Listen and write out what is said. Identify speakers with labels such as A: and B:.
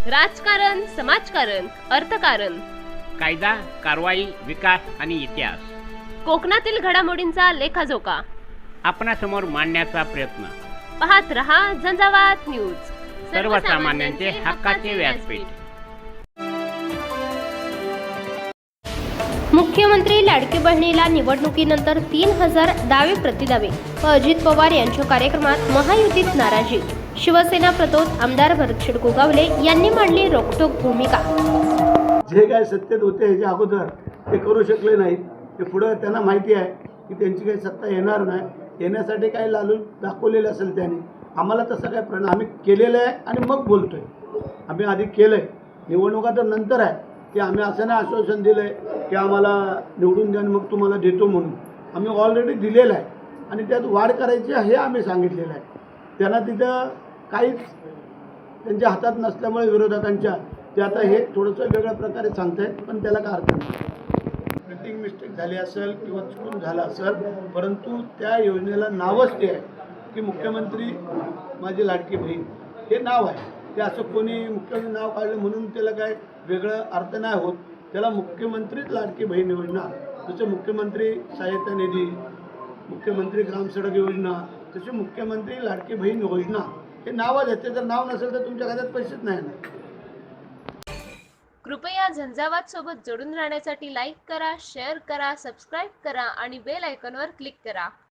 A: राजकारण, समाजकारण, अर्थकारण,
B: कायदा, कारवाई, विकास आणि इतिहास
A: कोकणातील घडामोडींचा लेखाजोखा
B: आपणासमोर मांडण्याचा प्रयत्न.
A: पाहत रहा झंझावात न्यूज,
B: सर्वसामान्यांचे हक्काचे व्यासपीठ.
A: मुख्यमंत्री लाडकी बहिणीला निवडणुकीनंतर 3000 दावे प्रतिदावे व अजित पवार यांच्या कार्यक्रमात महायुतीत नाराजी. शिवसेना प्रतोद आमदार भरतशेठ गोगावले यांनी मांडली रोखठोक भूमिका.
C: जे काय सत्तेत होते ह्याच्या अगोदर ते करू शकले नाहीत. ते पुढं त्यांना माहिती आहे की त्यांची काही सत्ता येणार नाही. येण्यासाठी काही लालूच दाखवलेलं असेल त्याने. आम्हाला तसं काय प्रण आम्ही केलेलं आहे आणि मग बोलतो आहे. आम्ही आधी केलं आहे, निवडणुका तर नंतर आहे की आम्ही असं नाही आश्वासन दिलं आहे की आम्हाला निवडून द्या मग तुम्हाला देतो म्हणून. आम्ही ऑलरेडी दिलेलं आहे आणि त्यात वाढ करायची हे आम्ही सांगितलेलं आहे. त्यांना तिथं काहीच त्यांच्या हातात नसल्यामुळे विरोधकांच्या ते आता हे थोडंसं वेगळ्या प्रकारे सांगत आहेत, पण त्याला काय अर्थ नाही. प्रिंटिंग मिस्टेक झाली असेल किंवा चुकून झालं असेल, परंतु त्या योजनेला नावच ते आहे की मुख्यमंत्री माझी लाडकी बहीण हे नाव आहे. ते असं कोणी मुख्यमंत्री नाव काढलं म्हणून त्याला काय वेगळं अर्थ नाही होत. त्याला मुख्यमंत्रीच लाडकी बहीण योजना, जसं मुख्यमंत्री सहायता निधी, मुख्यमंत्री ग्रामसडक योजना, तशी मुख्यमंत्री लाडकी बहीण योजना हे नावच आहे. ते जर नाव नसेल तर तुमच्या खात्यात पैसेच नाही ना.
A: कृपया झंझावात सोबत जोडून राहण्यासाठी लाईक करा, शेअर करा, सबस्क्राईब करा आणि बेल आयकॉनवर क्लिक करा.